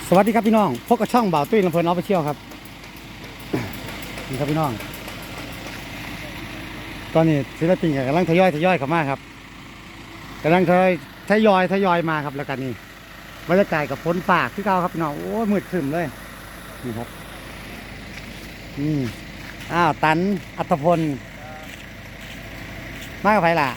สวัสดีครับพี่น้องพบกับช่องบ่าวตุ้ยลำเพลินออฟฟิเชียลครับนี่ครับพี่น้องตอนนี้ศิลปินกำลังทยอยเข้ามาครับกำลังทยอยมาครับแล้วกันนี่บรรยากาศกับฝนฟ้าคือเก่าครับพี่น้องโอ้มืดครึ้มเลยนี่ครับตันอัตพลมากับใครล่ะ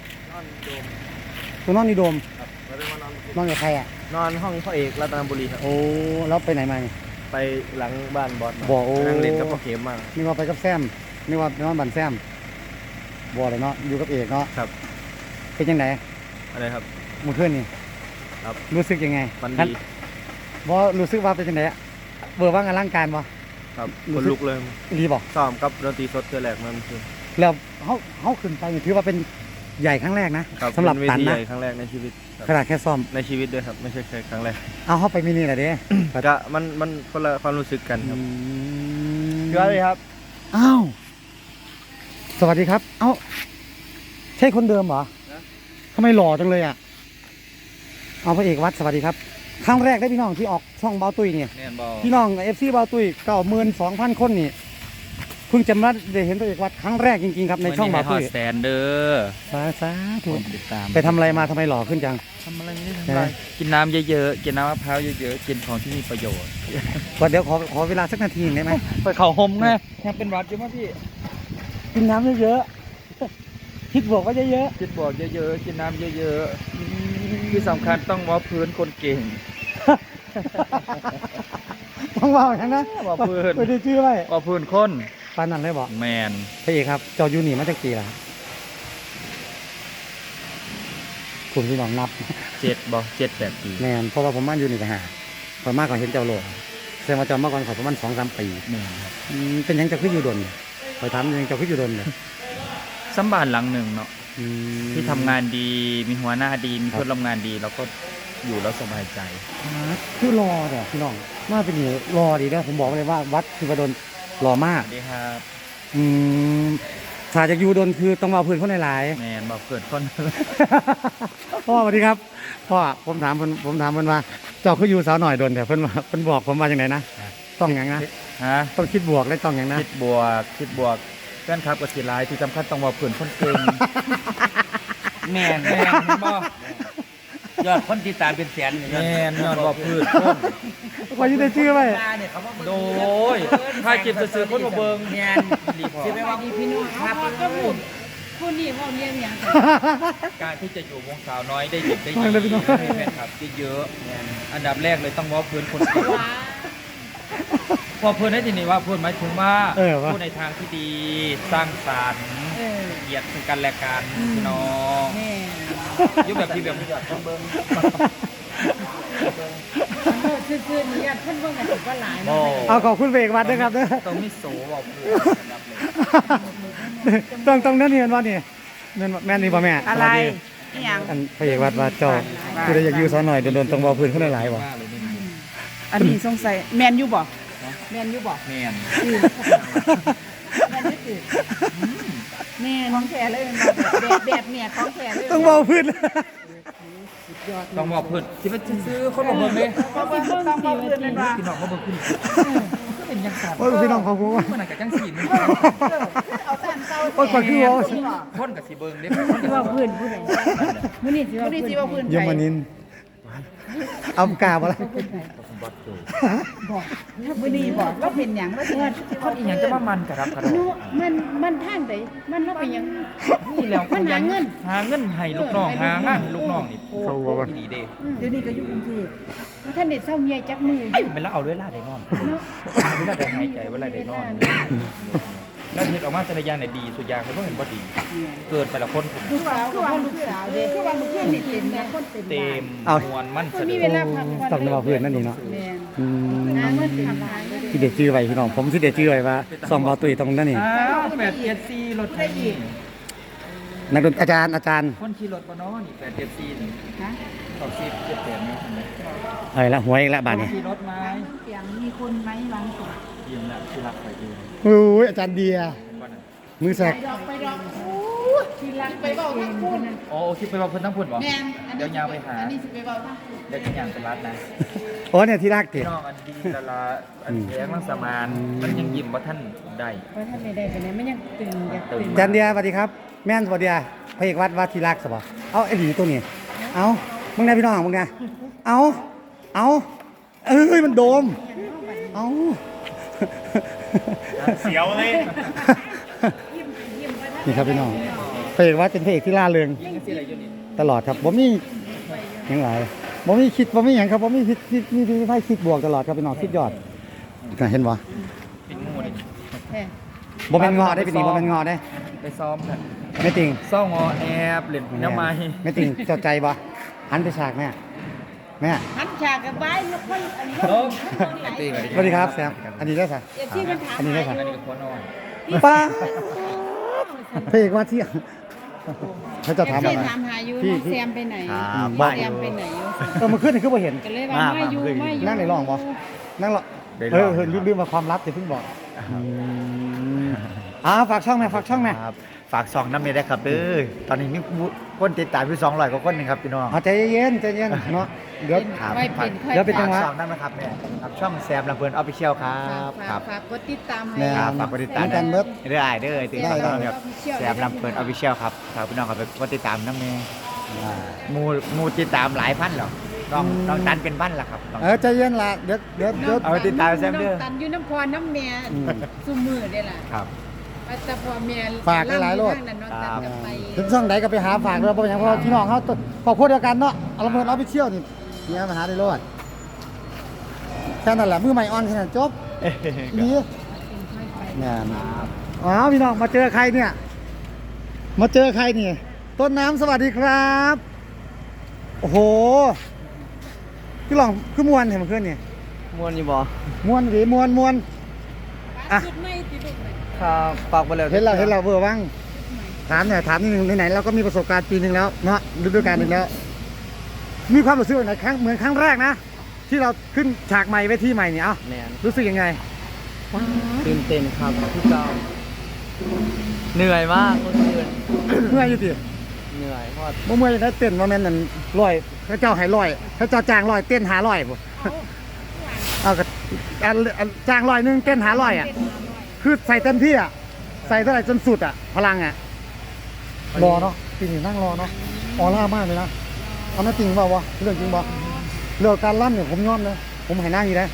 ตัวนอนนี่โดมนอนกับใครอ่ะนอนห้องพ่อเอกรัตนบุรีครับโอ้แล้วไปไหนมาเนี่ยไปหลังบ้านบอสบ่โอ้นั่งเล่นกับพ่อเข็มมานี่ว่าไปกับแซมนี่ว่าไปนอนบ้านแซมบ่เลยเนาะอยู่กับเอกเนาะครับเป็นยังไงอะไรครับมื้อคืนนี่ครับรู้สึกยังไงมันดีบ่รู้สึกว่าเป็นยังไงเบอร์ว่างอลังการบ่ครับคนลุกเลยดีบ่ซ้อมกับดนตรีสดเทื่อแรกมันคือแล้วเขาขึ้นไปถือว่าเป็นใหญ่ครั้งแรกนะสำหรับตันนะครั้งแรกในชีวิตขนาดแค่ซ้อมในชีวิตด้วยครับไม่ใช่แค่ครั้งแรกเอาเข้าไปมินิหน่อยดิก็มันคนละความรู้สึกกันครับสวัสดีครับอ้าวสวัสดีครับเอ้าใช่คนเดิมเหรอทำไมหล่อจังเลยอ่ะเอาพระเอกวัดสวัสดีครับครั้งแรกได้พี่น้องที่ออกช่องเบาตุยเนี่ยพี่น้องFCเบาตุย92,000 คนนี่เพิ่งจะมาได้เห็นพระเอกวัดครั้งแรกจริงๆครับในช่องเบาตุยแสนเด้อสาธุไปทำอะไรมาทำไมหล่อขึ้นจังทำอะไรไม่ได้ทำอะไรกินน้ำเยอะๆกินน้ำมะพร้าวเยอะๆกินของที่มีประโยชน์ก่อนเดี๋ยวขอเวลาสักนาทีได้ไหมไปเข่าหมไงยังเป็นหวัดอยู่มั้ยพี่กินน้ำเยอะๆคิดบวกก็เยอะๆคิดบวกเยอะๆกินน้ำเยอะๆที่สำคัญต้องว่าพื้นคนเก่งต้องว่าอย่างนั้นว่าพื้นไม่ได้ชื่อไรว่าพื้นคนปานนั้นเลยบอกแมนพระเอกครับเจ้ายูนี่มาจากกี่ล่ะคุณพี่น้องนับ 7-8 ปีแมนเพราะว่าผมมาอยู่นี่กันหาผมมากกว่าเห็นเจ้าโลกแสดงว่าเจ้ามาก่อนขอประมาณ2-3 ปีแมนครับเป็นยังจะขึ้นอยู่ดนคอยถามยังจะขึ้นอยู่ดนเลยสัมบานหลังหนึ่งเนาะที่ทำงานดีมีหัวหน้าดีมีเพื่อนร่วมงานดีเราก็อยู่แล้วสบายใจคือรอเนี่ยพี่น้องมาเป็นนี่รอดีนะผมบอกเลยว่าวัดคือประดนรอมากดีครับถ้าจะอยู่ดนคือต้องมาเพื่อนคนหลายแมนบอกเพื่อนคนพ่อสวัสดีครับพ่อผมถามเพิ่นว่าเจ้าคืออยู่สาวหน่อยดนแต่เพิ่นบอกผมว่าอย่างไรนะต้องอย่างนะต้องคิดบวกและต้องอย่างนะคิดบวกเพื่อนครับกับสีลายที่สำคัญต้องมาเพื่อนคนเก่งแมนบ่ยอดคนติดตามเป็นแสนแมนยอดบอกพื้นคนว่าอยู่ได้ชื่อไหมโดยถ้าเก็บซื้อคนมาเบิงแมนสิไปว่าพี่น้องครับคนนี้เขาเรียนอย่างการที่จะอยู่วงสาวน้อยได้ดีให้แฟนคลับเยอะๆอันดับแรกเลยต้องว่าพื้นคนพอเพื่อนได้ทีนี้ว่าเพื่อนหมายถึงว่าพูดในทางที่ดีสร้างสรรค์เหยียดซึ่งกันและกันน้องยุบแบบที่แบบไม่หยอดเบิ้งคือนี่ยท่านว่าไงถือว่าหลายเอาขอบคุณเบรกวัดด้วยครับต้องมิโซบอกเพื่อนต้องนั่นเห็นว่านี่แม่นี่ป่ะแม่อะไรอย่างอันพระเอกวัดเจ้าคือได้อยากอยู่สาวหน่อยโดนต้องบอกพื้นเขาหลายบ่อันนี้สงสัยแมนยูบอกแมนยูบอกแมนแม่ของแท้เลยแบบเนี่ยของแท้เลยต้องบอกพื้นต้องบอกพื้นที่มันซื้อคนบอกเบิ้งเลยต้องบอกพื้นเลยว่าพี่น้องเขาเบิ้งขึ้นก็เป็นยังไงพี่น้องเขาพูดว่ามันอาจจะจังสีนี่เอาแต่เศร้าคนก่อนคือว่าคนกับสีเบิ้งได้ที่ว่าพื้นผู้ใดมื้อนี้ที่ว่าพื้นยมนินเอากาบอะไรบอกมื้อนี้บอกว่าเป็นหยังว่าคนอีหยังจะมามันกระรับกระโดดมันทางใดมันว่าเป็นหยังนี่แล้วมันหาเงินให้ลูกน้องหางานลูกน้องนี่เขาบอกว่าดีเด้เดี๋ยวนี้ก็อยู่กรุงเทพท่านเด็ดเศร้าเมียจักมือเป็นแล้วเอาด้วยล่าได้นอนเวลาได้หายใจเวลาได้นอนแล้วเห็นออกมาแต่ละอย่างเนี่ยดีสุดอย่างเขาต้องเห็นว่าดีเกิดแต่ละคนลูกสาวกับลูกสาวเด็กคือว่าลูกเพื่อนนี่เต็มนะคนเต็มมวนมั่นมีเวลาพักผ่อนต้องมาเพื่อนนั่นนี่เนาะที่เด็ดชื่อไว้พี่น้องผมที่เด็ดชื่อไว้ว่าซองบอตุยตรงนั้นนี่ 874รถไทยนักดนตรีอาจารย์คนขี่รถปะเนาะนี่874นี่นะ278เนาะละหวยอีกแล้วบาทนี่ขี่รถไหมเสียงมีคนไหมบางส่วนเยี่ยมแล้วที่รักไปดีโอ้ยอาจารย์เดียมือแสกไปดอกที่รักไปเบาทั้งพูดโอ้คิดไปว่าเพิ่นทั้งพุ่นบ่แม่นเดี๋ยวยาวไปหาอันนี้สิไปเบาทั้งพูดเดี๋ยวจะย่างไปรัดนะโอ้เนี่ยที่รักติพี่น้องอันดีละละอันแย้งลังสมานมันยังยิ้มบ่ท่านได้เพราะท่านไม่ได้ไปไหนมันยังตึงอยากตึงจันเดียสวัสดีครับ แม่นสวัสดีพระเอกวัดที่รักสบเอาไอ้หลีตัวนี้เอามึงไงพี่น้องมึงไงเอาเอ้ยมันโดมเอาเสียวเลยนี่ครับพี่น้องพระเอกวัดเป็นพระเอกที่ล่าเริงตลอดครับผมมีอย่างไรผมมีคิดผมมีอย่างครับผมมีมีไพ่คิดบวกตลอดครับพี่น้องคิดยอดเห็นบ่เป็นงูนี่แท้บ่เป็นงอได้เป็นนี่บ่เป็นงอได้ไปซ้อมกันไม่ติงซ้องอแอบเล่นน้ำไม้ไม่ติงเจ้าใจบ่หันไปฉากแม่หันฉากกับใบแล้วค่อยอันนี้โอ้ตีสวัสดีครับแซมอันนี้ได้สะเดี๋ยวที่มันถามอันนี้ได้สะอันนี้ก็คนนอนป้าพระเอกวัดที่เขาจะถามที่อะไรถามหาอยู่พี่น้องแซมไปไหนครับน้องแซมไปไหนอยู่มาขึ้นนี่คือบ่เห็นก็เลยว่าไม่อยู่ไม่อยู่นั่งในร่องบ่นั่งรอลืมมาความลับจะเพิ่งบอกฝากช่องไหมฝากช่องไหมครับฝาก2น้ำเมได้ครับเด้อตอนนี้มีคนติดตามอยู่200กว่าคนนึงครับพี่น้องใจเย็นเนาะเดี๋ยวครับไม่เป็นค่อยเดี๋ยวเป็นจังหวะฝาก2นั่นนะครับเนี่ยครับช่องแซมลำเพลินออฟฟิเชียลครับครับฝากกดติดตามให้แม่ครับฝากกดติดตามกันเบิดเรื่อยๆเด้อติดตามได้ครับแซมลำเพลินออฟฟิเชียลครับฝากพี่น้องครับกดติดตามน้ำเมมูติดตามหลายพันหรอกน้องตันเป็นพันละครับน้องใจเย็นละเดี๋ยวเอาไปติดตามแซมเด้อน้องตันอยู่น้ำพรน้ำแม่ซุมือได้ล่ะครับแต่พอแม่ฝากหลายๆโลดนั่นน้องตันก็ไปถึงช่องไหนก็ไปหาฝากด้วยเพราะอย่างเพราะพี่น้องเขาครอบครัวเดียวกันเนาะเอาลำเพิ่นเอาไปเที่ยวนี่เนี่ยมาหาได้รอดแค่นั้นแหละมือใหม่ออนแค่นั้นจบดีเนี่ยพี่น้องมาเจอใครเนี่ยมาเจอใครนี่ต้นน้ำสวัสดีครับโอ้โหพี่หลองคือมวนเห็นมันขึ้นนี่มวนอยู่บ่มวนหรือมวนอ่ะสุดไม่ติดลูกเลยครับฝากไปเลยเห็นเราเบอร์บ้างถามนิดนึงไหนๆเราก็มีประสบการณ์ปีหนึ่งแล้วเนาะฤดูกาลหนึ่งแล้ว มีความรู้สึกไหนเหมือนครั้งแรกนะที่เราขึ้นฉากใหม่เวทีใหม่เนี่ยเอ้าแมนรู้สึกยังไงตื่นเต้นครับพี่เจ้าเหนื่อยมากเมื่อคืนเมื่อยอยู่ติเหนื่อยเพราะว่าเมื่อยได้เต้นว่าแม่นนั่นร้อยพระเจ้าให้ร้อยพระเจ้าจ้างร้อยเต้นหาร้อยบ่เอาก็จ้างร้อยนึงเต้นหาร้อยอ่ะคือใส่เต็มที่อ่ะใส่เท่าไหร่จนสุดอ่ะพลังอ่ะรอเนาะปีนี้นั่งรอเนาะออร่ามากเลยนะเอาไม่จริงเปล่าวะเรื่องจริงบ่เรื่องการล่ำเนี่ยผมยอมเลยผมให้นั่งอยู่ได้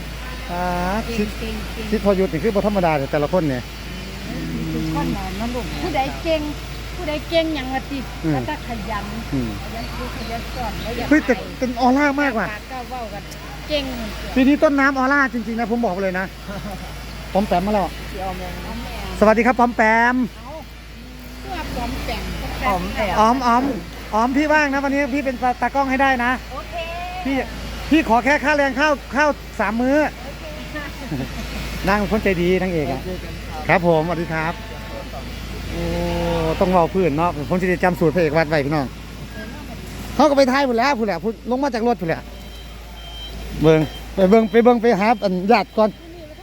คิดพอหยุดนี่คือบ่ธรรมดาแต่ละคนเนี่ยทุกคนนั่นลูกผู้ใดเก่งอย่างว่าติแล้วก็ขยันดูขยันสอนแล้วอย่าเฮ้ยแต่เป็นออร่ามากว่ะก็เว้ากันเก่งปีนี้ต้นน้ำออร่าจริงๆนะผมบอกเลยนะปอมแปมมาแล้วเดี๋ยวแม่น้องแม่สวัสดีครับปอมแปมเอาเพื่อปลอมแต่งอ๋อมพี่ว่างนะวันนี้พี่เป็นตากล้องให้ได้นะโอเคพี่ขอแค่ค่าแรงข้าว3 มื้อ นางเป็นคนใจดีนางเอกอะครับผมสวัสดีครับโอ้ต้องเว้าพื้นเนาะผมจะได้จำสูตรพระเอกวัดไว้พี่น้องเขาก็ไปท้ายหมดแล้วพูดแหละลงมาจากรถพูดแหละไปเบิ่งไปหาญาติก่อน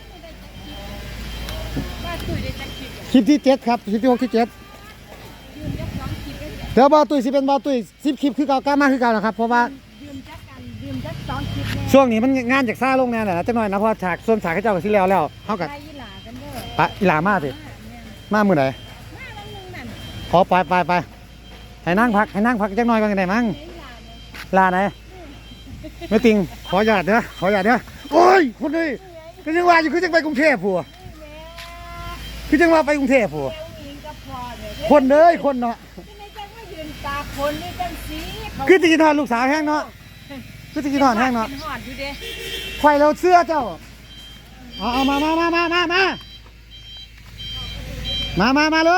ว่าตุ้ยได้จักคลิปคลิปที่7ครับคลิปที่6ที่7 ยืนยัก2คลิปได้เดี๋ยวบอตุ้ยสิเป็นบอตุ้ย10 คลิปคือเก่ากล้ามากคือเก่านะครับเพราะว่ายืนจัก2คลิปแน่ช่วงนี้มันงานจากซ่าลงแน่แหละจังหน่อยนะเพราะฉากส่วนฉากเขาเจ้าก็สิแล้วเฮากับไปอีหลากันเด้อปะอีหลามาสิมามื้อไหนมาแล้วนึงนั่นขอไปให้นั่งพักจังหน่อยก่อนได้มั้งอีหลาเนี่ยลาไหนไม่ติงขอหยาดเด้อโอ้ยคนนี้คือจังว่าอยู่คือจังไปกรุงเทพผัวคือจังว่าไปกรุงเทพผัวเอวอิงกับพอเนี่ยคนเด้ยคนเนาะที่ในจังว่ายืนตาคนนี่จังสีเขาคือจะกินทอดลูกสาวแห้งเนาะคือจะกินทอดแห้งเนาะกินหอดอยู่เด้ไฟเราเสื้อเจ้าเอามาเลย